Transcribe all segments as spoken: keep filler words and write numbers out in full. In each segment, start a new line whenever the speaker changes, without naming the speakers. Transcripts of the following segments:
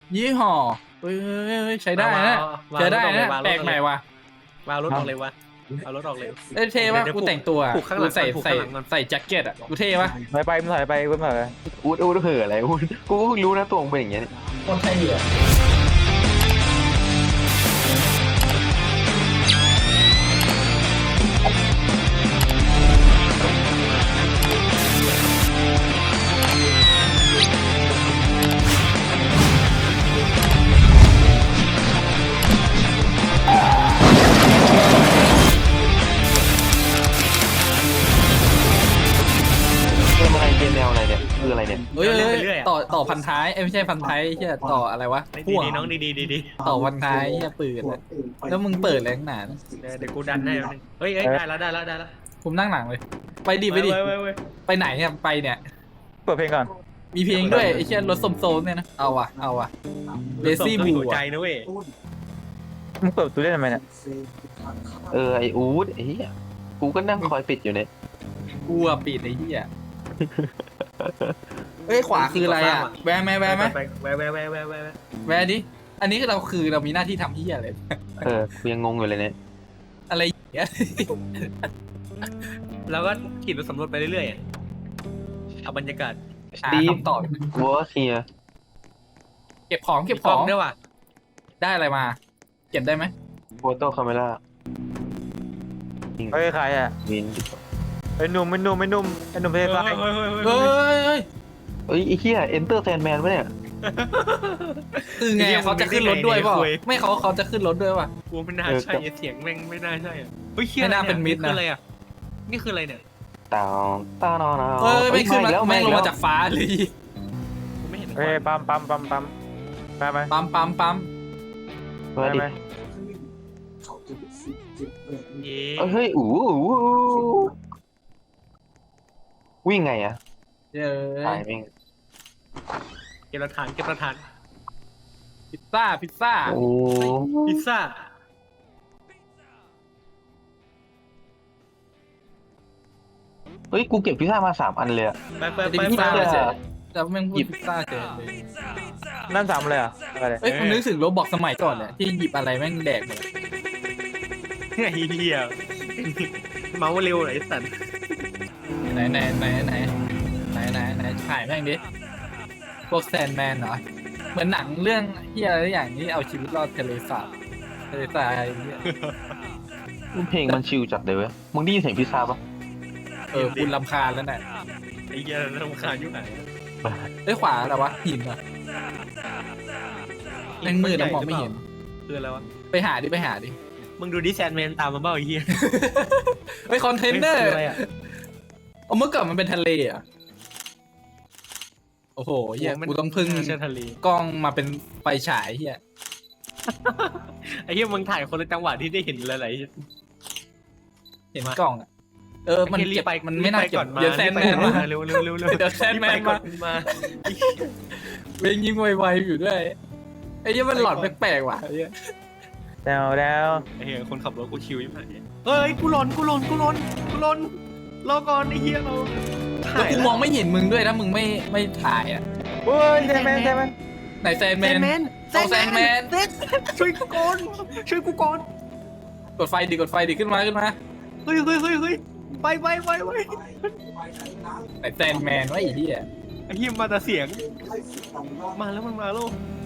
ยี่ห้อเฮ้ยใช้ได้นะใช้ได้นะแปลกใหม่ว่ะ
วางรถออกเลยวะเอารถออกเลย
เอ้ยเท่ป่ะกูแต่งตัวกูใส่ใส่ใส่แจ็คเก็ตอ่ะกูเท่ป่ะ
ถอยไปมึงถอยไปกูถอยไป
อูดอูดเห่ออะไรอูดกูก็เพิ่งรู้นะตัวมึงเป็นอย่างเงี้ย
คนไทยเหรอ
เกมอะไรเกมแนวอะไรเนี่ยคืออะไรเนี่ย
เฮ้ยต่อต่อพันท้ายไม่ใช่พันท้ายใช่ต่ออะไรวะ
ดีดีน้องดีดีดีดี
ต่อพันท้ายเนี่ยปืนแล้วมึงเปิดแรงหนา
เดี๋ยวกูดันให้เฮ้ยได้แล้วได้แล้วได้แล้ว
ผมนั่งหลังเลย ไปดิไปดิไปไหนเนี่ยไปเนี่ย
เปิดเพลงก่อน
มีเพลงด้วยไอ้เช่นรถสมโซนเนี่ยนะเอาว่ะเอาว่ะเลซี่บู
ใจนะเว้ย
มึงเปิดประตูได้ทำไมเนี่ย
เออไออูดไอ้เหี้ยกูก็นั่งคอยปิดอยู่เนี่ย
กูอะปิดไอ้เหี้ยเฮ้ยขวาคืออะไรอ่ะแวะไหมแวะไหม
แวะแวะแวะแวะแวะ
แวะดิอันนี้เราคือเรามีหน้าที่ทำเหี้ยอะไร
เออกูยังงงอยู่เลยเนี่ย
อะไรเงี้ย
แล้วก็ขี่รถสำรวจไปเรื่อยๆเอาบรรยากาศ
หา
ดี
คำตอบ
กูว่าเคลียร์
เก็บของเก็บของ
ด้วยว่ะ
ได้อะไรมา เก็บได้ไหม
โฟโต้คาเมล่า
เฮ้ยใครอ่ะ
วิน
ไอ้หนุ่มไอ้หนุ่มไอ้หนุ่มไอ้หนุ่มเพลงไฟ
เฮ้ยเฮ้ย
เฮ้ยเฮ้ย
เอ้ยไอ้เหี้ยเอนเตอร์แซนแมนปะเนี่ย
คือไงเขาจะขึ้นรถด้วยเปล่าไม่เขาเขาจะขึ้นรถด้วยป่ะ
กูไม่น่าใช่เสียงแม่งไม่น่าใช่เฮ้ยคืออะไรอ่ะนี่คืออะไรเนี่ย
ตาวตาวนอน
เฮ้ยไม่ขึ้นมา
แล้ว
แม่งลง
แล้ว
มาจากฟ้าเลย
กูไม่เห็น
เฮ้ยปั๊มปั๊มปั๊มปั๊มไปไป
ปั๊มปั๊มปั๊ม
ไป
มาดิ
ไป
เย้
เฮ้ยอู้อู้วิ่งไงอะ
เย้
ตายแม่ง
เก็บหลักฐานเก็บหลักฐาน
พิซซ่าพิซซ่า
โอ้
พิซซ่า
เฮ้ยกูเก็บพิซซ่ามาสามอันเลยอะ
ไปไป
จะ
ไป
พิซ
ไป
ซ่าเฉยแล้วแม่งพูดพิซซ่าเฉยเลย
นั่นสามเลยอ่ะอะไร
เอ้ยผมนึกถึงโรบอกสมัยก่อนเนี่ยที่หยิบอะไรแม่งแดกหมด
ไอ้เหี้ยเมาส์เร็วไอ้สัตว์
ไหนไหนไหนไหนไหนไหนไหนถ่ายแม่งดิพวกแซนแมนเหรอเหมือนหนังเรื่องเฮียอะไรอย่างนี้เอาชีวิตรอดทะเลสาบทะเลทรายอะไรเงี้ย
เพลงมันชิลจัดเลยเว้ยมึงได้ยินเสียงพิซซ่าปะ
เออคุณลำคาญแล้วน่ะ
ไอ้เหี้ยรำคาญยุ่งไหน
เอ้ยขวาอะไรวะหินเหรอแม่งมืดแล้วมองไม่เห็น
คืออะไรวะ
ไปหาดิไปหาดิ
มึงดูดิแซนแมนตามมาเบ้าไอ้เหี้ย
เฮ้ยคอนเทนเนอร์
อะไรอ่ะ
เอาเมื่อก่อนมันเป็นทะเลเหรอ่ะโอ้โหเฮียกูต้องพึ่ง
เชื่อทะเล
กล้องมาเป็นไฟฉายเฮีย
ไอ้เหี้ยมึงถ่ายคนละจังหวะที่ได้เห็นอะไร
เห็นกล้องอ่ะเออมันเก็บมันไม่น่าเก็บเดี๋ยวแซนแมนมา
เร็วเร็วเร็วเร็ว
เดี๋ยวแซนแมน
ก่อ
มาน
มา
เวงยิงไวๆอยู่ด้วยไอ้เหี้ยมันหลอนแปลกๆว่ะไอ้เหี้ย
แดวแดว
ไอ้เหี้ยคนขับรถกูชิวยิ่งผ่านเฮ้ยกูหลอนกูหลอนกูหลอนกูหลอนรอก่อนไอ้เหี้ยเรา
แล้วกูมองไม่เห็นมึงด้วยถ้ามึงไม่ไม่ถ่ายอ่ะ
เฮ้ยแซมแมนแซมแมน
ไหนแซนแม
แซน
น
แมน
เอาแซนแมน
ช่วยกูก่อนช่วยกูก่อน
กดไฟดิกดไฟดิขึ้นมาขึ้นมา
เฮ้ยเฮ้ยเฮ้ยเฮ้ยไปไปไปไป
ไหนแซนแมนวะไอ้เหี้ย
ไอ้เหี้ยมาแต่เสียงมาแล้วมันมาแล้ว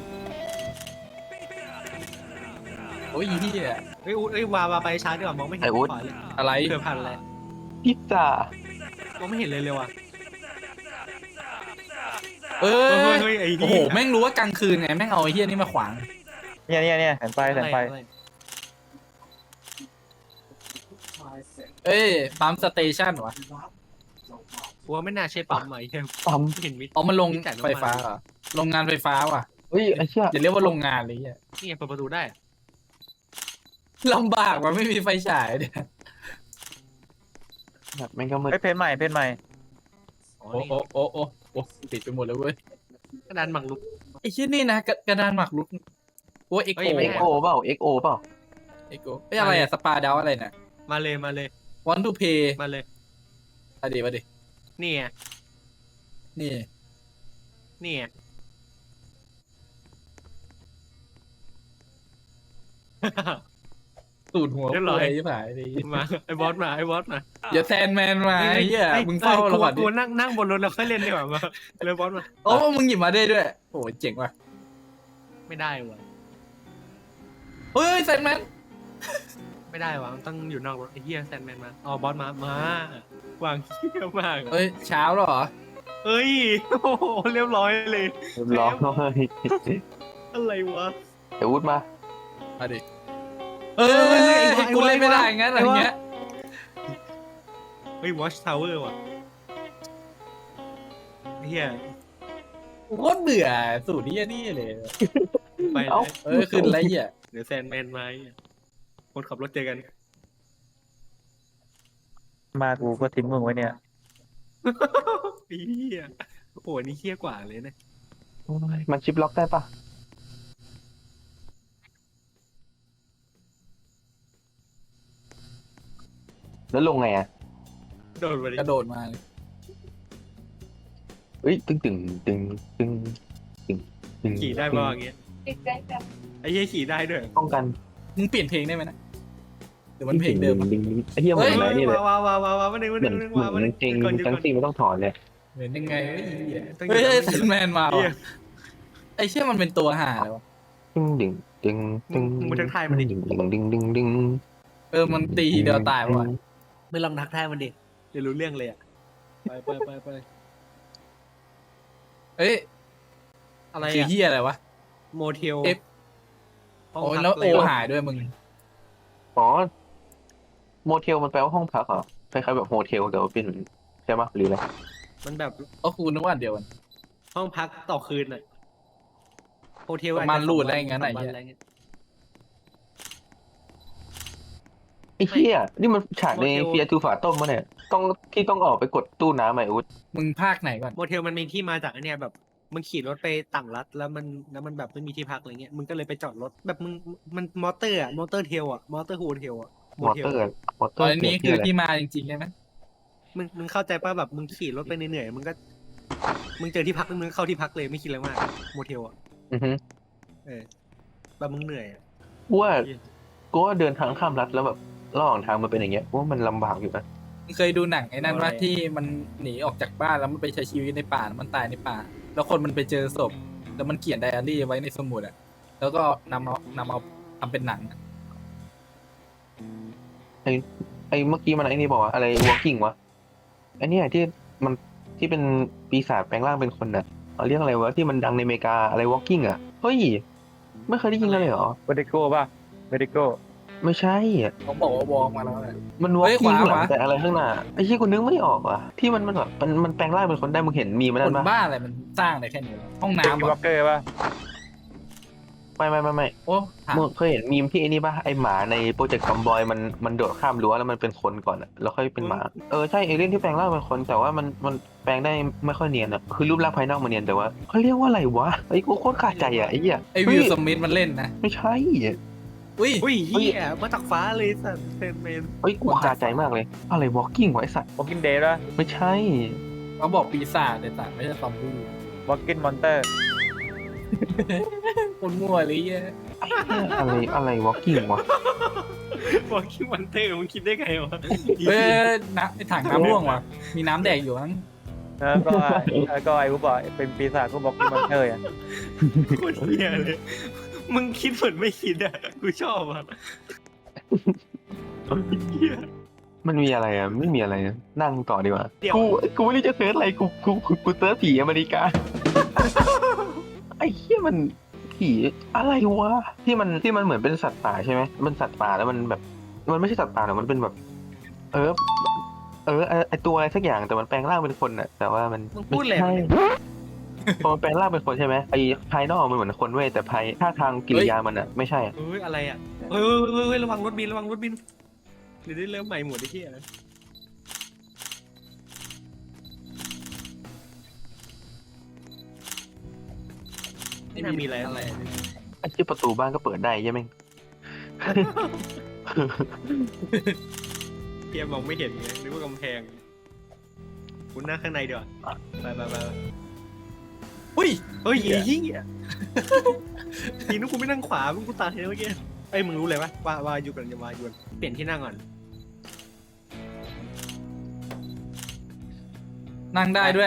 โอ้ยไอ้เหี้ย
เฮ้ยอุ๊ดเฮ้ยวาวาไปช้าดีกว่ามองไม่เห็นขวาเลย
อะไร
เกือบพันแล้ว
พิซซ่าม
องไม่เห็นเลยเลยว่ะ
เออ
เฮ้ยเฮ้ยไอ้เหี้ย
โอ้โหแม่งรู้ว่ากลางคืนไงแม่งเอาไอ้เหี้ยนี่มาขวาง
เนี่ยเนี่ยเนี่ยแสงไฟแสงไฟ
เอ้ยปั๊มสเตชันวะ
กูว่าไม่น่าใช่ปั๊มไหม
ปั๊ม
เห็นมิด
เอามาลงไฟฟ้าเหรอโรงงานไฟฟ้าว่ะ
เฮ้ยไอ้เชี่ย
อย่าเรียกว่าโรงงานเลยเหี้ย
นี่ไงเปิดประตูได้
ลำบากว่ะไม่มีไฟฉายเนี่ย
แบบแม่งก็มืด
เฮ้ยเพจใหม่เพจใหม่
อ๋อ
โอ้
นี่
โอ้โอ้โอ้โอ้ติดไปหมดเลยเว้ย
กระดานหมากรุก
ไอ้ชิ้นนี่นะกระกระดานหมากรุกโอ้เอ็ก
เฮ้
โอย
ไม่
เอ็กโอเปล่าเอ็กโอเปล่า
เอ็กโอเอ้ยอะไรอะสปาดาวอะไรน่ะ
มาเลยมาเลย
want to pay
มาเลย
มาดิมาดิ
นี่ไง
นี่
นี่ไง
ตูดหัว
เรียบร้อย
เลยที่ผายดิ
มาไอ้บอสมาไอ้บอสมา
อย่าแซนแมนมาไอ้เหี้ยมึงเฝ้าเราก่อนดิ
กูนั่งนั่งบนรถแล้วค่อยเล่นดีกว่ามาเลยบอสมา
โอ้มึงหยิบมาได้ด้วยโอ้เจ๋งว่ะ
ไม่ได้ว่ะ
เฮ้ยแซนแมน
ไม่ได้ว่ะต้องอยู่นอกรถไอ้เหี้ยแซนแมนมาอ๋อบอสมามาวางเหี้ยมาก
เฮ้ยเช้าแล้วเหรอ
เอ้ยโอ้โหเรียบร้อยเลย
เรียบร้อย
อะไรวะ
ไอ้วุฒิมา
มาดิเฮ้ยกูเล่นไม่ได้งั้นอะไรเงี้ย
เฮ้ยวอชทาวเวอร์ว่ะเฮีย
โคตรเบื่อสูตรนี้นี่เลย
ไป
เอ้า
เออขึ้นไรเหี้ย
เดี๋ยวแซนแมนมาคนขับรถเจอกัน
มากูก็ทิ้งมึงไว้เนี่ย
เฮียโอ้โหนี่เฮี้ยกว่าเลยนะ
โอ้ยมันชิปล็อกได้ปะแล้วลงไงอ่ะ
โดนไปดิ
กระโดดมา
เอ้ยตึงตึงตึงตึงตึงตึง
ขี่ได้ป่าวอย่างเงี้ยไอ้เฮียขี่ได้ด้วย
ป้องกัน
มึงเปลี่ยนเพลงได้ไหมนะหรือมันเพลงเดิม
ดึงดึงไอ้เหี้ยเหมือนอะไรนี่เลย
ว้าวว้าวว้าวว้าวมาหนึ่งมาห
เหมื
นึ่
อน
งมาหนึ่ง
เหมือน
มาหนึ่ง
จริง
ก่อน
ทั้งสี่ไม่ต้องถอนเลย
เหมือนยังไงเฮ้ยเฮ้ยแซนแมนมา
เฮีย
ว่ะไอ้เชี่ยมันเป็นตัวห่าเลยวะ
ดึงดึงดึงดึง
มึงทักทายมันดิ
ดึงดึงดึงดึงดึง
เออมันตีเดียวตายว่ะ
ไม่ลองทักทายมันดิเดี๋ยวรู้เรื่องเลยอ่ะไปไปไปไป
เอ้ย
อะไร
คือ
อ่ะ
เฮียอะไรวะ
โมเทล
F โอ้ยแล้วโอหายด้วยมึง
อ๋อโมเทลมันแปลว่าห้องพักเหรอคล้ายๆแบบโฮเทลแต่ว่าเป็นใช่ปะหรืออะไร
มันแบบ
ก็คูนึกว่าอันเดียวกัน
ห้องพักต่อคืนอ่ะโฮเทล
ประมาณรูดอะไรอย่างงั้น
อะ
อะ
ไรเงี้ย
ไอ้เหี้ยนี่มันฉากใน
โมเทล
เฟียทูฝาต้มมะเนี่ยต้องที่ต้องออกไปกดตู้น้ำไหมอุ๊ด
มึงภาคไหนก่อน
โมเทลมันมีที่มาจากไอันเนี้ยแบบมึงขี่รถไปต่างรัฐแล้วมันแล้วมันแบบไม่มีที่พักอะไรเงี้ยมึงก็เลยไปจอดรถแบบมึงมันมอเตอร์อะมอเตอร์เทลอะมอเตอร์โฮเทลอะ
มอเตอร์มอเต
ต
อ
อ
ร์
นนี้
เกี่
คื
ยว
อ
อะไร
ที่มาจริงๆใช่ไหม
มึงมึงเข้าใจป่ะแบบมึงขี่รถไปเหนื่อยๆมึงก็มึงเจอที่พักมึงเข้าที่พักเลยไม่คิดอะไรมากโมเทลอะ
อือฮึ
เออแบบมึงเหนื่อยอะ
กูว่ากูว่าเดินทางข้ามรัฐแล้วแบบระหว่างทางมันเป็นอย่างเงี้ยกูว่ามันลำบากอยู่นะ
มึงเคยดูหนังไอ้นั่นว่าที่มันหนีออกจากบ้านแล้วมันไปใช้ชีวิตในป่าแล้วมันตายในป่า แล้วคนมันไปเจอศพแล้วมันเขียนไดอารี่ไว้ในสมุดอะแล้วก็นำเอานำเอาทำเป็นหนังอะ
ไอ้เมื่อกี้มันไอ้นี่บอกว่าอะไร walking วะไอ้เนี่ยที่มันที่เป็นปีศาจแปลงร่างเป็นคนน่ะเอาเรียกอะไรวะที่มันดังในอเมริกาอะไร walking อ่ะเฮ้ยไม่เคยได้ยินเลยเหรอ
เวดิโก้ป่ะเวดิโก้
ไม่ใช่อ่ะ
เขาบอกว่าวอล์กมาแล้วแหละ
มัน
เฮ้ย
walking
ขวา
ข้างหลัง
ขวา
แต่อะไรข้างหน้าไอ้ที่กูนึกไม่ออกว่ะที่มันมันแบบมันมันแปลงร่างเป็นคนได้มึงเห็นมีมัน
ค
นั่
น
นปะ
บ้าอะไรมันสร้างได้แค่นี้วะห้อง
มี
น้ำเหร
วอ
อ
ลเกอร์ป่ะ
ไม่ไม่ไม่ไม่
โอ้ถาม
มึงเคยเห็นมีมที่ไอ้นี่ปะไอหมาในโปรเจกต์คอมบอยมันมันโดดข้ามรั้วแล้วมันเป็นคนก่อนอะแล้วค่อยเป็นหมาเออใช่เอเลี่ยนที่แปลงร่างเป็นคนแต่ว่ามันมันแปลงได้ไม่ค่อยเนียนอะคือรูปร่างภายนอกมันเนียนแต่ว่าเขาเรียกว่าอะไรวะไอ้กูโคตรขาดใจอะไอ้เหี้ย
ไอวิลสมิธมันเล่นนะ
ไม่ใช่
อุ้ย
อุ้ยเฮียมาจากฟ้าเลยสัตว์เซนเมน
เฮ้ยกูขาดใจมากเลยอะไร walking วะไอสัตว์
วอลกินเดย์ป่ะ
ไม่ใช่
เขาบอกปีศาจแต่ต่างไม่ใช่ซอมบี้
วอลกินมอนเตอร์
คนมั่วเลยเหี้ย
อะไรอะไร walking วะ
บอกคิดวันเตอร์มึงคิดได้ไงวะ
เอ้ยน้ำไอถังน้ำร่วงว่ะมีน้ำแดกอยู่มั้ง
แล้วก็แล้วก็ไอ้กูบอกเป็นปีศาจกูบอกกินมอนเตอร์อ่ะ
โคตรเฮียเลยมึงคิดเหมือนไม่คิดอ่ะกูชอบอ่ะเฮีย
มันมีอะไรอะไม่มีอะไรอะนั่งต่อดีกว่า
เดี๋ยว
กูกูไม่รู้จะเซิร์ชอะไรกูกูกูกูเซิร์ชผีอเมริกา ไอ้เหี้ยมันผีอะไรวะที่มันที่มันเหมือนเป็นสัตว์ป่าใช่ไหมมันสัตว์ป่าแล้วมันแบบ มันไม่ใช่สัตว์ป่าหรอกมันเป็นแบบ เออ เออไอ้ไอตัวอะไรสักอย่างแต่มันแปลงร่างเป็นคนน่ะ แต่ว่ามัน
มึงพูดแหละ
ไม่ใช่พอมันแปลงร่างเป็นคนใช่ไหมไอ้ภายนอกมันเหมือนคนเว้ยแต่ภายท่าทางกิริยามันอ่ะไม่ใช่อะ
เฮ้ยอะไรอ่ะเฮ้ยเฮ้ยเฮ้ยเฮ้ยระวังรถบินระวังรถบินเดี๋ยวได้เริ่มใหม่หมดไอ้เหี้ย ไม่น่ามีอะไรอะไร
ไอ้ที่ประตูบ้านก็เปิดได้ใช่ไหมง
เกียมองไม่เห็นไงนึกว่ากำแพงคุณหน้าข้างในเดี๋ยวาไปไปไป
อุ้ย
เฮ้ยไอ้เหี้ยทีนู้นกูไม่นั่งขวามึงกูตายเลยเมื่อกี้
ไ
อ้ยมึงรู้เลยปะว่าว่าอยู่กันจะมาอยู่เปลี่ยนที่นั่งก่อน
นั่งได้ด้วย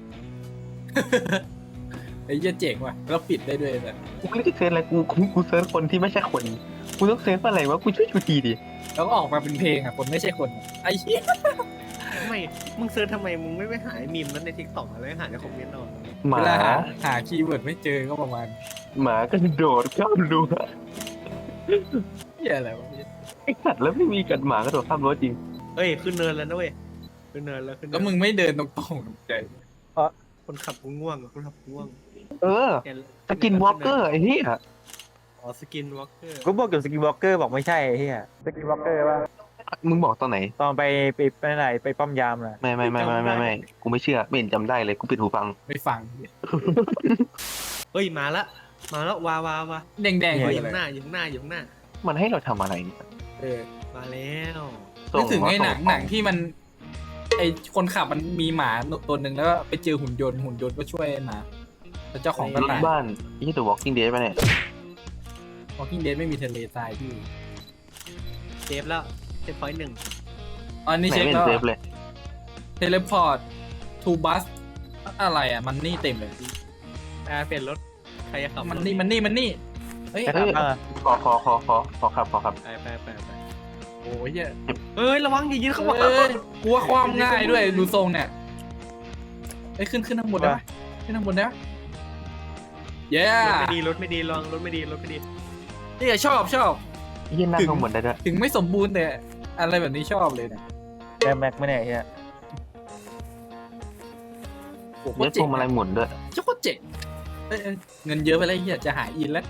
ไอ้เหี้ยเจ๋งว่ะแล้วปิดได้ด้วยแบบ
กูไม่ได้เซิร์ชอะไรกูกูกูเซิร์ชคนที่ไม่ใช่คนกูต้องเซิร์ชอะไรวะกูช่วยกูทีดิ
แล้วก็ออกมาเป็นเพลงอ่ะคนไม่ใช่คนอะไอ้เหี้ย
ทำไมมึงเซิร์ชทำไมมึงไม่ไปหามีมนั้นในทิกตอกอะไรหาในคอมเมนต์เอา
หมา
เวลาหาหาคีย์เวิร์ดไม่เจอก็ประมาณ
หมาก็โดดข้ามรั้ว
เหี้ยอะไรวะ
ไอ้สัตว์แล้วไม่มีกัดหมาก็โดดข้ามรั้วจริง
เอ้ยขึ้นเนินแล้วนะเว้ยขึ้นเนินแล้วขึ้นเนิ
แล้ว
น
มึงไม่เดินตรงๆใจ
คนขับกูง่วงอะคนขับกูง่วง
เออ
เห็น
สกินวอล์กเกอร์ไอ้เหี้ย
อ๋อสกินวอล์กเกอร์
กูบอกกับสกินวอล์กเกอร์บอกไม่ใช่ไอ้เหี้ยสกินวอล์กเกอร์ว่า
มึงบอกตอนไหน
ตอนไปไปไปไหนไปป้อมยามน่ะ
ไม่ไม่ไม่ไม่ไม่ไม่กูไม่เชื่อไม่เห็นจำได้เลยกูปิดหูฟัง
ไม่ฟัง
เฮ้ยมาละมาแล้ววาวาวา
แดงๆ
เฮ้
เลย ย
อยู่
อะไร
ข้างหน้าอยู่ข้างหน้าอยู่ข้างหน้า
มันให้เราทำอะไรเนี่ย
เออ
มาแล้ว
นึกถึงไอ้หนัง
ส่มา
หนังที่มัน ไอ้คนขับมันมีหมาตัวหนึ่งแล้วก็ไปเจอหุ่นยนต์หุ่นยนต์ก็ช่วยหมาแล้วเจ้าของก็
รถ
ตาย
บ้านนี่ตัว Walking Dead ป่ะเนี่ย
Walking Dead ไม่มีทะเลทรายพี่
เซฟแล้วเซฟพอยต์หนึ่ง
อันนี้
ไหน
เช็ค
ไม่เห็
แล้
น
ว
เซฟเลย
เทเลพอร์ตทูบัสอะไรอ่ะมันนี่เต็มเลย
อ่าเปลี่ยนรถใครจะขับ
มันนี่มันนี่มันนี่เฮ้ย
ไปทำบ้างอะ
ขอขอขอขอขอครับขอครับ
ไปไปไปไป
โอ้ยเหี้ย
เอ้ยระวังอย่ายืนเข้ามา
เอ้ยกลัวความง่ายด้วยดูทรงเนี่ยไอ้ยขึ้นขึ้นข้างบนได้ไหมขึ้นข้างบนได้ไหมเย้
รถไม่ดีรถไม่ดีลองรถไม่ดีรถไม่ดี
นี่ชอบชอบ
ยี่นั่งข้างบนได้ด้วย
ถึงไม่สมบูรณ์แต่อะไรแบบนี้ชอบเลยเนี่ย
แม็กแม็กไม่เนี่ยไอ้เหี้ย
โอ้โห
เยอะพวงมาลัยหมุนด้วย
เจ้าโคตรเจ๋งเอ้ยเอ้ยเงินเยอะไปแล้วเฮียจะหายอินแล้ว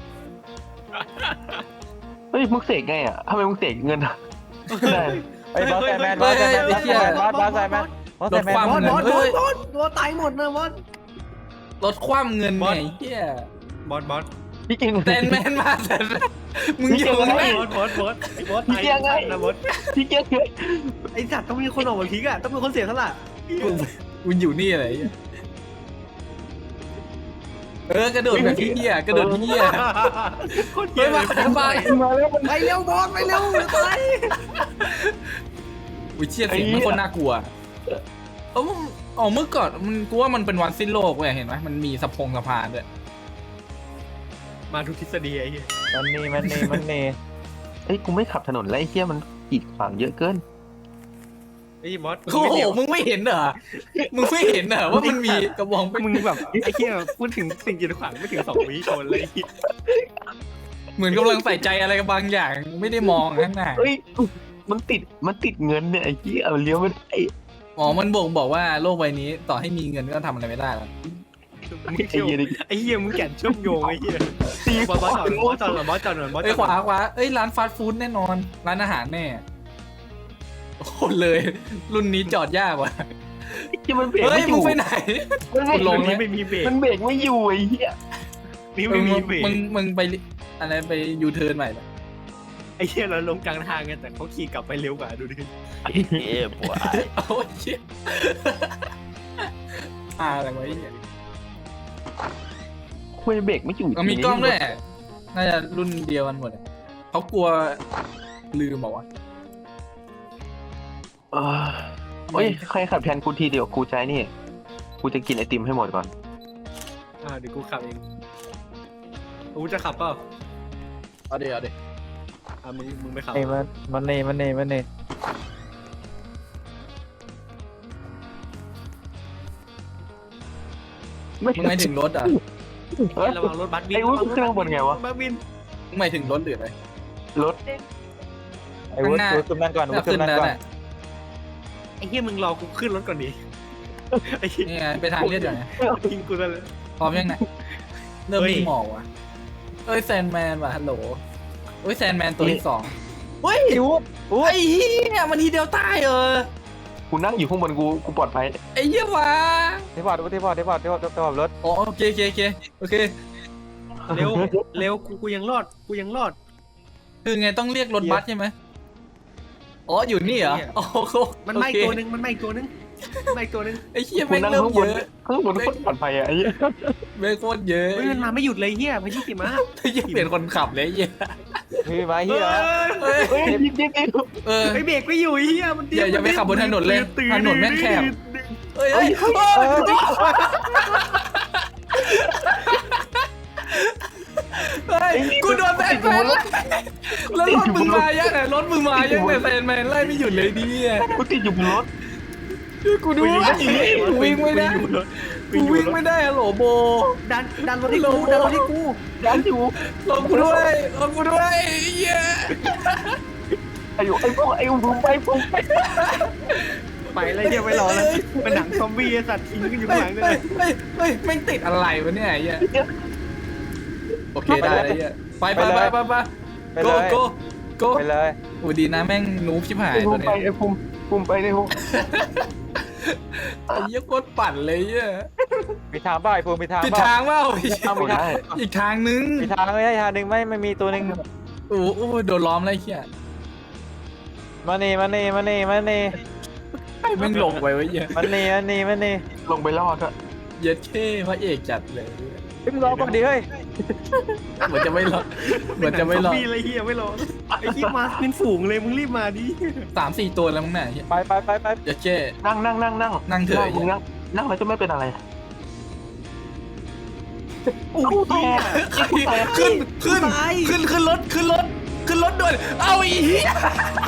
เฮ้ยมึงเสกไงอ่ะทำไมมึงเสกเงินได้
ไอ้บอสแซนแมนบอสแซนแมนบอสแซนแมนบอสบอสแซนแมนบอสแซนแมน
ลดความ
บอส
เงิ
บ
น
อสบอสบอสบอสตายหมดนะบอส
ลดความเงิน
บอ
ไง
ส
เฮีย
บอสบอส
พี่เก่ง
แซนแมนมาแซนแมนมึงอยู่
บอส
ไหน
บอสบอสบอสไอ้บอสตายนะบอส
พี่เก่ง
ไอ้สัตว์ต้องมีคนออกมาพลิกอะต้องมีคนเสียสละ
มึงอยู่นี่อะไรเหี้ยเออกระโดดแบบพี่เฮียกระโดดพี่เฮีย
คน
เฮ้
เหี้
ย
ย
มา
เลย
ไป
มาแล้ว
ไปเร็วบอสไปเร็วไป
อุ้ยเชี่ยเสียงมันคนน่ากลัวเออมันอ๋อเมื่อก่อนมันกูว่ามันเป็นวันสิ้นโลกเว้ยเห็นไหมมันมีสะพงสะพานด้วย
มาทุกทฤษฎีไอ้เหี้ย
มันนี่มันนี่มันนี่
เอ้ยกูไม่ขับถนนแล้วไอ้เหี้ยมันกีดขวางเยอะเกิน
ไอ้บอส
โอ้โหมึงไม่เห็นเหรอมึงไม่เห็นเหรอว่ามันมีกระบองเป็น
มึงแบบไอ้เหี้ยพูดถึงสิ่งกีดขวางไม่ถึงสองวิชนเลย
เหมือนกำลังใส่ใจอะไรกับบางอย่างไม่ได้มองข้างหน้า
เอ้ยมันติดมันติดเงินเนี่ยไอ้เหี้ยเอาเลี้ยวไม่ได้
อ๋อมันบ่งบอกว่าโลกใบนี้ต่อให้มีเงินก็ทำอะไรไม่ได้แล้ว
ไอ้เหี้ยนี่
ไอ้เหี้ยมึงแก่นเชื่อมโยงไอ้เหี้ย
ตี
บอสบอสจอดบอสจอดบอสจอดบอสจ
เอ้
อย ด
ขวาขวาเอ้ยร้านฟาสต์ฟู้ดแน่นอน ร้านอาหารแน่โอ้โหเลย รุ่นนี้จอดยากว่ะ
ไอ้เหี้ยมันเบรก
เฮ้ย
ไม่อ
มึง
ยู่
ไปไหน
มันเบรก
ลง
นี่ไม่มีเบรก
มันเบรกไม่อยู่ไอ้เหี้ย
นี่ไม่มีเบรก
มึงมึงไปอะไรไปยูเทิร์นใหม่เลย
ไอ้เหี้ยเราลงกลางทางไงแต่เขาขี่กลับไปเร็วกว่าดูดิ
เอ๊ะปวด
โอ้ยเชี่ยอ่าอะไรวะไอ้เหี้ย
คุยเบรกไม่อยู่
มันมีกล้องด้วยน่าจะรุ่นเดียวกันหมดอะเขากลัวลืมบอกว่า
เออเฮ้ยใครขับแทนกูทีเดียวกูใจนี่กูจะกินไอติมให้หมดก่อน
อ่าเดี๋ยวกูขับเองกูจะขับเปล่า
เอาเดี๋ยวเอาเดี๋ยว
อ่ามึงมึงไม่ขับ
ไอ้มันมันนี่มันนี่มันนี่
มึงหมายถึงรถอ่ะ
เฮ้ย
ระวังรถบัสวิน
ไอ้วุ้ยเครื่องบนไงวะ
บัสวิน
มึงหมายถึงรถหรืออะไร
รถ
ไอ้วุ้ย
ข้างหน้า
วุ้ยขึ้นนั่งก่อนวุ้
ก็
ยขึ้
ขึ้
น
น
นั่ง
แล้ว
ก่อน
แหละ
ไอ้เหี้ยมึงรอกูขึ้นรถก่อนดิไอ้เหี้ย
นี่ไงไปทางเลือดอยู่ไง
ทิ้งกูแล้วเลย
พร้อมยังไงเริ่ม
เฮ้ย
มีหมอกว่ะเอ้ยแซนแมนว่ะฮัลโหลเอ้ยแซนแมนตัวที่สองเฮ้ย
ไอ้วุ้ยวุ้ย
ไอ้เหี้ยมันทีเดียวตายเออ
กูนั่งอยู่ข้างบนกูกูปลอดภัย
ไอ้เหี้ยวะ
ที่พอร์ตที่พอร์ตที่พอร์ตที่พอร์ตที่พอร์ตรถ
อ๋อโอเคโอเคโอเคโอเค
เร็วเร็วกูกูยังรอดกูยังรอด
คือไงต้องเรียกรถบัสใช่ไหมอ๋ออยู่นี่เหรอ
เนี่ย
โอ้โห
มันไหม้
โอเค
ตัวนึงมันไหม้ตัวนึงมาอีกตัวนึง
ไอ้เหี้ย
กู
แม่ง
นั่ง
เริ่ม
ข้างบ
เย
น
อะ
ข้างบนโคตรปลอดภัยอะไอ้เหี้ย
แม่งโคตรเยอะ
เฮ้ยมันมาไม่หยุดเลยเฮียพายุหิมะ
ไอ้เหี้ยเปลี่ยนคนขับเลยไอ้เหี้ย
พี่มาเฮีย
เฮ้ย
เฮ้ยยิบยิบยิบ
เออ
ไอเบรกไม่อยู่เฮียมัน
อย่าอย่าไปขับบนถนนเลยถนนแม่งแคบ เฮ้ยเฮ้ย
เออ
เฮ้ยกูโดนแบนแฟนแล้วรถมึงมายังไงรถมึงมายังไงแฟนแมนไล่ไม่หยุดเลยดิ
กูติดอยู่บนรถ
กูดูว่ากูวิ่งไม่ได้กูวิ่งไม่ได้อะโหลโบ
ดันดันรถที่กูดันรถที่กู
ยันอยู่
ลงกูด้วยลงกูด้วยเย้
ไอ้อยู่ไอ้พวกไอ้ผมไปผมไป
ไปเลยเฮียไม่รอแล้วเป็นหนังซอมบี้ไอ้สัตว์ทิ้งกันอยู่
เฮ้
ข้าง
ย
หลังเล
เฮ้ย
ย
เฮ้ยเฮ้ยแม่งติดอะไรวะเนี่ยไอ้เหี้ยโอเคได้ไอ้เหี้ยไปไปไปไปไป
ไป
โก
เลย
โกโก
ไปเลย
โอ้ดีนะแม่งนูบชิบหาย
ไอ้ผ
ตัว
ม
นี้
ไปไอ้ผมผมไปในห้อง
ไอ้เหี้ยโคตรปั่นเลยเหี้ย
มีทางบ้าไอ้ภูมิมีทาง
ผิด
บ้า
ทางเปล่า
เอามีทาง
อีกทางนึง
มีทางไม่ใช่ทางหนึ่งไม่ไม่มีตัวหนึ่ง
โอ้โหโดนล้อมเลยไอ้เหี้ย
มานี่มานี่มานี่มานี่
แม่งลงไปไว้เหี้ย
มานี่มานี่มานี่
ลงไปรอดอะ
เย็ดเท่พระเอกจัดเลย
พี่มึงรอก่อนดิเฮ้ย
เหมือนจะไม่รอดเหมือนจะไม่รอด
มีอะไรเฮียไม่รอไอ้ที่มาเป็นฝูงเลยมึงรีบมาดิ
สามสี่ตัวแล้วมั้งเนี่ยเหี้ย
ไปไปไปไป
เย็ดเท่
นั่งนั่งนั่งนั่ง
นั่งเถอะ
มึงนั่งนั่งแล้วจะไม่เป็นอะไร
โอ้ยเฮีย
ขึ้นขึ้นขึ้นขึ้นรถขึ้นรถขึ้นรถด่วนเอาอีเหี้ย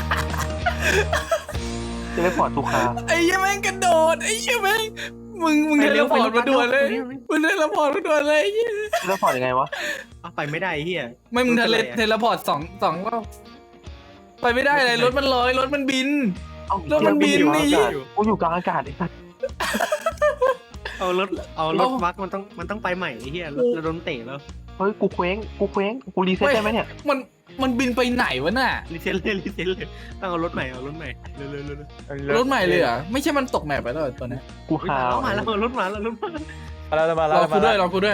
จะได้พอร์ตทุกคา
ไอ้เหี้ยแม่งกระโดดไอ้เหี้ยแม่งมึงมึงเทเลพอร์ตมาด่วนเลยมึงเทเลพอร์ตมาด่วนเลยไอ้เหี้ย
จะได้พอร์ตยังไงวะ
เอาไปไม่ได้เฮีย
ไม่มึงเทเลเทเลพอร์ตสองสองรอบไปไม่ได้เลยรถมันลอยรถมันบิน
เอ้า
แล้วมันบิน
กูอยู่กลาง
นี่
อากาศกูอยู่กลางอากาศไอ้สัส
เอารถเอารถบักมันต้องมันต้องไปใหม่ไอ้เฮียรถเราโดนเตะแล้ว
เฮ้ยกูเคว้งกูเคว้งกูรีเซ็ตได้ไหมเนี่ย
มันมันบินไปไหนวะน่ะ
รีเซ็ตเลยรีเซ็ตเลยต้องเอารถใหม่เอารถใหม่เร็วเร็วเร็ว
รถใหม่เลยเหรอไม่ใช่มันตกแมปไปแล้วเหรอตัวเนี้ย
กู
มา
หา
แล้วมาแล้วรถมาแล้วรถมา
มาแล้วมาร แล้
อ
ว
กู
มา
ด้วย
แล้ว
รอกูด้วย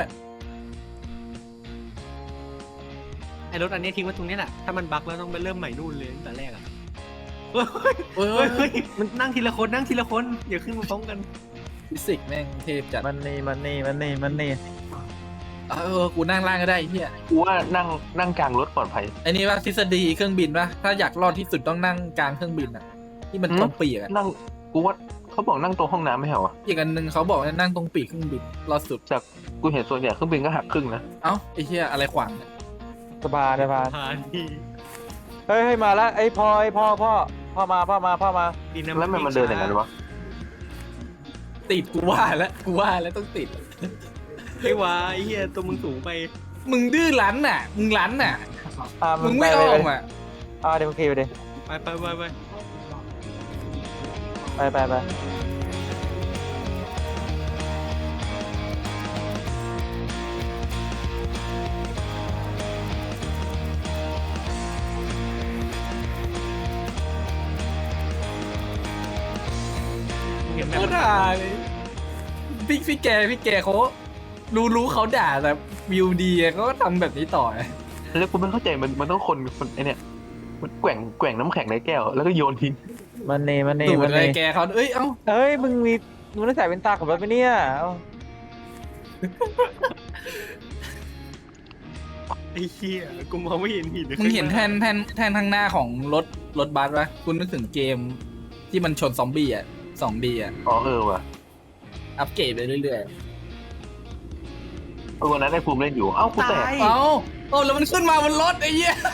ไอ้รถอันนี้ทิ้งไว้ตรงนี้แหละถ้ามันบักแล้วต้องไปเริ่มใหม่นู่นเลยตั้งแต่แรกอ่ะเฮ้ย
เฮ้
เฮ้ย
ย
เฮ้ยมันนั่งทีละคนนั่งทีละคนอย่าขึ้นมาพร้อมกัน
ฟิสิกส์แม่งเทพจัด
มันนี่มันนี่มันนี่มันนี่
เออกูนั่งล่างก็ได้ไอ้เฮีย
กูว่านั่งนั่งกลางรถปลอดภัย
ไอ้นี่ว่าทฤษฎีเครื่องบินป่ะถ้าอยากรอดที่สุดต้องนั่งกลางเครื่องบินอ่ะที่มัน
หืม
ตรงปีกอ่ะ
นั่งกูว่าเขาบอกนั่งตรงห้องน้ำไม่เหรอวะ
อีกอันหนึ่งเขาบอกว่านั่งตรงปีกเครื่องบินรอดสุด
จากกูเห็นส่วนใหญ่เครื่องบินก็หักครึ่งนะ
เอ้าไอ้เฮียอะไรขวางเนี่ย
สบายสบาย
ผ่านที่
เฮ้ยเฮ้ยมาแล้วไอ้พ่อไอ้พ่อพ่อพ่อมาพ่อมาพ่อมา
ดินา
แล้วมันมันเดินอย่างนั้นวะ
ติดกูว่าแล้วกูว่าแล้วต้องติด
ไอ้วาไอ้เหี้ยตัวมึงสูงไป
มึงดื้อรั้นน่ะ มึงรั้นน่ะ
อ่า
มึงไม่ออกอ่ะ
อ่าเดี๋ยวมึงขี่ไปดิ
ไปไปไปไป
ไปไปไป
เห็นแบ
โค
บ
ตรด่าเลยพี่พี่แกพี่แกเขารู้รู้เขาด่าแต่วิวดีอะเขาก็ทำแบบนี้ต่อไง
แล้วกูไม่เข้าใจมันมันต้องคนคนไอเนี่ยมันแกว่งแกว่งน้ำแข็งในแก้ว แล้วก็โยนทิ้ง
มันนี่มันนี่
ดู
มัน
อะไร
นี่
แกเขาเอ้ยเอ้า
เฮ้ยมึงมีมึงต้องใส่เป็นตาขับรถไปเนี่ยเอ้า
ไอ้เหี้ยกูมองไม่เห็นหิน
มึงเห็นแทนแทนแทนทางหน้าของรถรถบัสปะคุณนึกถึงเกมที่มันชนซอมบี้อ่ะสองบีอ่ะ
อ๋อเออว่ะ
อัปเกรดไปเรื่อย
เออวันนั้นไอ้ภูมิเล่นอยู่เอ้ากูแตก
ๆเอ้าเอ้าแล้วมันขึ้นมาบนรถไอ้เหี้ย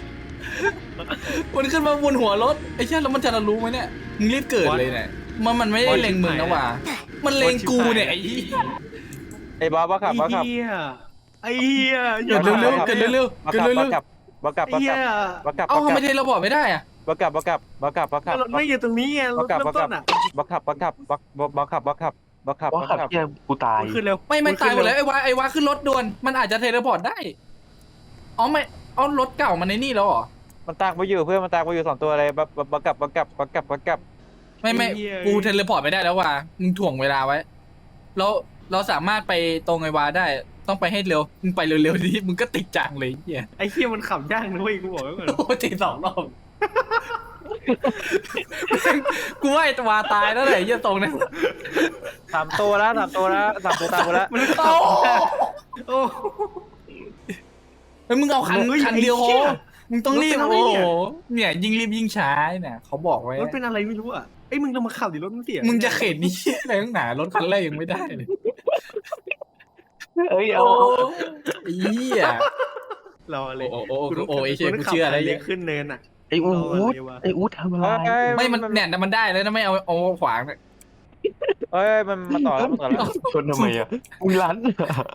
มันขึ้นมาบนหัวรถไอ้เหี้ยแล้วมันจะรู้ไหมเนี่ยมึงรีบเกิดเลยเนี่ยมันมันไม่ได้เล็งมึงนะว่ะมันเล็งกูเนี่ยไอ้เหี้ย
ไอ้บอสบอสขั
ไอ้
บบอสขับ
เหี้ยไอ้เหี้ย
เกิดเร็วๆเกิดเร็ว
บอ
ๆ
ส
เกิด
ขับ
เร็
บอ
ว
สขับบอสขับ
ไอ้เหี้ย
บอสขับบ
ๆเอ้า
อส
ทำ
ขั
ไม
บ
เทเลพอร์ตไม่ได้อะ
บอสขับบอสขับบอสขับบอสขับ
รถไม่อยู่ตรงนี้ไงรถเริ่มต้นอ่ะ
บอสขับบอสขับบอสบอสขับบอสขับบอสขับ
ว่าขับเที่ยกูตาย
ขึ้นเร็ว
ไม่มันตายหมดแล้วไอ้วาไอ้วาขึ้นรถด่วนมันอาจจะเทเลพอร์ตได้อ๋อไม่เอารถเก่ามันในนี่แล้วเหรอ
มันตากไปอยู่เพื่อนมันตากไปอยู่สองตัวเลยบอสบอสขับบอสขับบอสขับบอสขับ
ไม่ไม่กูเทเลพอร์ตไม่ได้แล้วว่ะมึงถ่วงเวลาไว้แล้วเราสามารถไปตรงไอ้วาได้ต้องไปให้เร็วมึงไปเร็วๆดิมึงก็ติดจังเลยเหี้ย
ไอ้เหี้ยมันขับยากนะเว้ยกูบอกไว้ก่อน
โอ้ติดสองรอบกูว่าไอ้ตัวตายแล้วแหละไอ้เหี้ยตรงนั้น
สามตัวแล้วสามตัวแล้วสามตัวตามกูแล้ว
โอ้
โอ้
เฮ้ยมึงเอาคัน
เฮ้ย
คันเดียวพ
ไอ้เหี้
อย มึงต้องรีบ
รถเป็น
โอ้
อะไร
โห
เนี่ย
เนี่ยยิ่งรีบยิ่งช้าเนี่ยเขาบอกไว้
รถเป็นอะไรไม่รู้อ่ะไอ้ยมึงลองมาขับดิรถมันเสีย
มึงจะเข็นนี่อะไรตั้งหนารถคันแรกยังไม่ได้เลย
เอ้ยเอา
โอ้
เอา
ไอ้เหี้ย
รอเลย
โอ้โอ้โอ้
กูต้อง
โอ้ไอ้เชี่ย
ต้ง
กู
ขับ
เชื่ออะไร
คัน
เนี่
เล็
ย
กขึ้นเนินอ่ะ
ไอ้อู
รออะไร
ด
วะ
ไอ้อูดทำอะไร
เอ้ย
ไม่มันเนี่ยมันได้แล้วนะไม่เอาเอาขวางเนี่ย
เอ้ยมันมาต่อแล้วมาต่อแล้ว
ชนทำไมอ่ะมึงรัน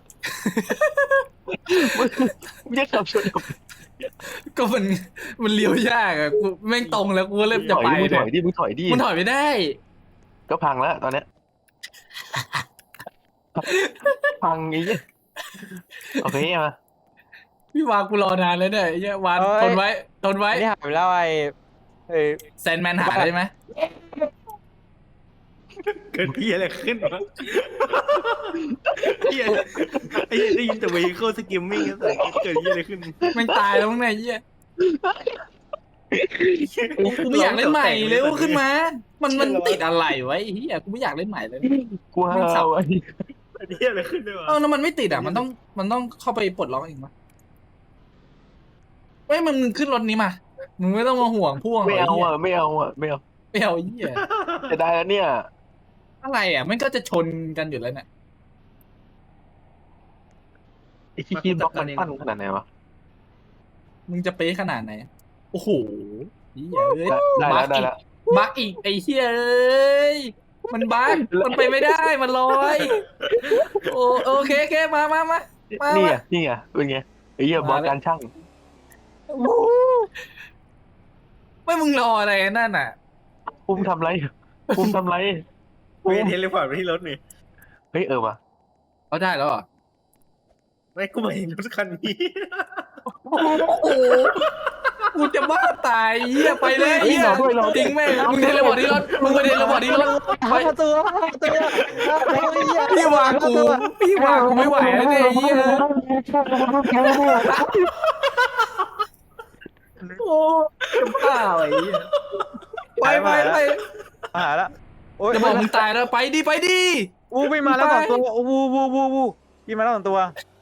มึงจะขับชนทำไม
ก็มันมันเลี้ยวยากอะกูแม่งตรงแล้วกูก็เริ่มจะไป
มึงถ
เนี่
อย
ย
ดิมึงถอยดิ
มันถอยไม่ได้
ก็พังแล้วตอนเนี้ยพังไอ้เหี้ยโอเคมา
พี่วางกูรอนานแล้วเนี่ยไอ้เหี้ยวานทนไว้ทนไว้
อันนี้หายไปแล้วไอ้ไอ้
แซนแมนหาได้ไหม
เกิดพี่อะไรขึ้นวะเหี้ยไอ้เหี้ยได้ยินแต่เวย์เข้าสกิมมิ่งแต่เกิดพี่อะไรขึ้น
แม่งตายแล้วมั้งเนี่ยไอ้เหี้ยกูไม่อยากเล่นใหม่เร็วขึ้นมา มันมันติดอะไรไว้ไอ้เหี้ยกูไม่อยากเล่นใหม่เลย
กูห้าวไอ้
ไอ้เหี้ยอะไรขึ้นด้วยวะ
เอ้าแล้วมันไม่ติดอ่ะมันต้องมันต้องเข้าไปปลดล็อกเองมั้ยเฮ้ยมันมึงขึ้นรถนี้มามึงไม่ต้องมาห่วงพ่วง
ไม่เอา
ไหี้ย
อ่ะไม่เอาอ่ะไม่เอา
ไม่เอาไอ้เหี้ย
จะได้แล้วเนี่ย
อะไรอ่ะมันก็จะชนกันอยู่แล้วเนี่ย
ไอ้ที่คิดบล็อกมันปั้นขนาดไหนวะ
มึงจะเป๊ะขนาดไหนโอ้โหเหี้ยเอ้ย
ได้ได้แล้วได้แล้ว
บักอีกไอ้เหี้ยเอ้ยมันบักมันไปไม่ได้มันลอยโอโอเคโอเคมามามามา
นี่
มา
ไงนี่ไงเป็นไงไอ้เหี้ยบอสการช่าง
ไม่มึงรออะไรนั่นน่ะ
ปุ้มทำไรปุ้มทำไร
เวย์เทเลพอร์ตไปที่รถนี่
เฮ้ยเออว่ะ
เอาได้แล้วเหรอ
ไม่กูมาเห็นรถคันนี้
โอ้โหกูจะบ้าตายเหี้ยไปเลยเหี้ยทิ้งแม่งมึงเทเลพอร์ตที่รถมึงไปเทเลพอร์ตที่รถไป
ห้าตัวห้าตัว
พี่วางกูพี่วางกูไม่ไหวแล้วเนี่ยเหี้ยโอ้จะบ้าไอ้เหี้ยไปไปไป
หาละโอ้ย
จะบอกมึงตายแล้วไปดิไปดิ
วูวิ่งมาแล้วสองตัววูวูวูวูวิ่งมาแล้วสองตัว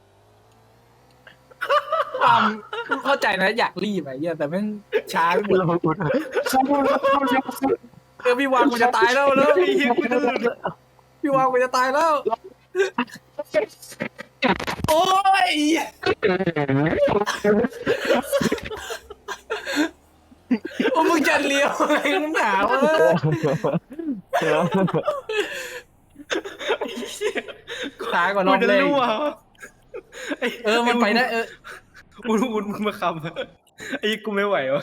ความเข้าใจนะอยากรีบไอ้เหี้ยแต่แม่งช้าไปหมดเออพี่วางกูจะตายแล้วแล้ว
ไอ้เหี้ยกูจะหลุด
พี่วางกูจะตายแล้วโอ้ยโอ้มึงจะเลี้ยวอะไรนักหนาวะตายก่อนร
กู
อบ
จะ
เลย
รั่ว
เออมันไปได้เออ
อุ่นอุ่นมึงมาคำไอ้เหี้ยกูไม่ไหววะ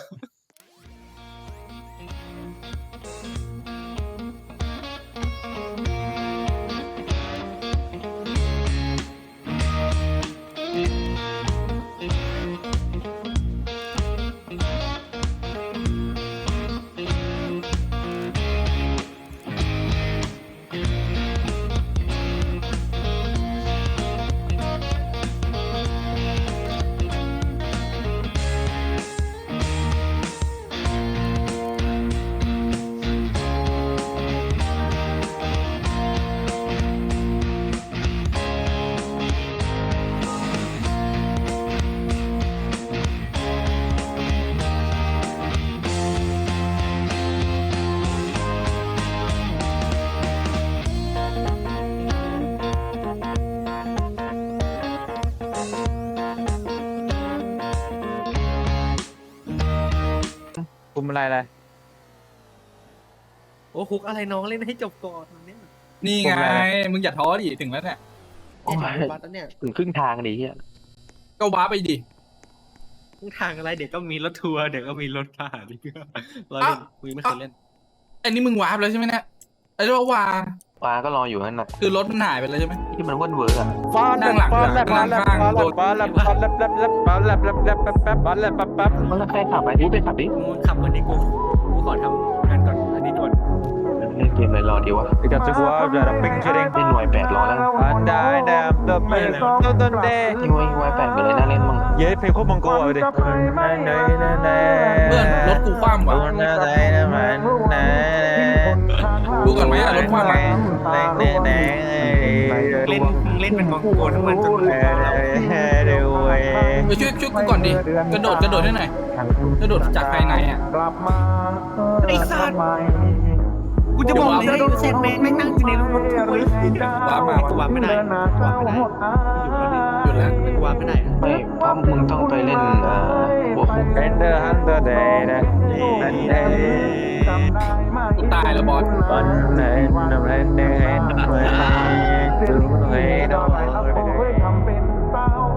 คุมอะไรอะไร
โอ้คุกอะไรน้องเล่นให้จบก่อนเนี่ย
นี่ไงมึงอย่าท้อดิถึงแล้วเนี่ย
โอ้ย
บัสแล้วเนี่ย
ถึงครึ่งทางดิเฮีย
ก็ว้าไปดิ
ทางอะไรเดี๋ยวก็มีรถทัวร์เดี๋ยวก็มีรถผ่านอีกเราเล่นกูยังไม่เคยเล่น
อันนี้มึงว้าไปแล้วใช่ไหมเนี่ยไอ้เรียกว่าวา
ปลาก็รออยู่นั่นน่ะ
คือรถมันหายไปแล้วใช่ไหม
ที่มันว่นเวอร์อะ
ฟาด
นั่งหลัง
ฟาดแลบ
นั่
ฟาง ด
หลั
แล
ง
บฟาดแลบฟาดแลบฟาดแลบฟาดแลบแลบฟาดแลบแลบแลบแป๊บแป๊บฟาดแลบแป๊บแป๊บ
มันแล้วใครขับไปที่ไปขับดิ
มึงขับก่อนดิกูกูขอทำงานก่อนอันนี้ด่วน
เล่นเกมอะไรรอดีวะ
Ik had toch wel uit de ping shooting.
เล่นวายแปดรอแล้ว
And I am the man of the day.
นี่วายวายแปดเป็นอะไรน่าเล่นมั้ง
Jij hebt geen mango over dit.
เพื่อนรถกูคว่ำว่ะดูก่อนไหมอะรถคว่ำอะ
เล่นเล่นเป็นมองโกทั้งวันจนมึงแล้ว
ไปช่วยช่วยกูก่อนดิกระโดดกระโดดให้หน่อยกระโดดจากภายในอ่ะ
ไอ้สัตว์กูจะบอกเลยเซนแมนไม่นั่งอยู่ในรถกูเลย
ว้ามา
กูวางไม่ได้กูวางไม่ได้อยู่แล้วนี่
หยุดแล้ว
กูวางไม่ได้
ไม่เพราะมึงต้องไปเล่นเอ่อหัวคุก
In the hundred day, day.
กูตายแล้วบอส
One night, I'm heading, heading, heading, heading, heading.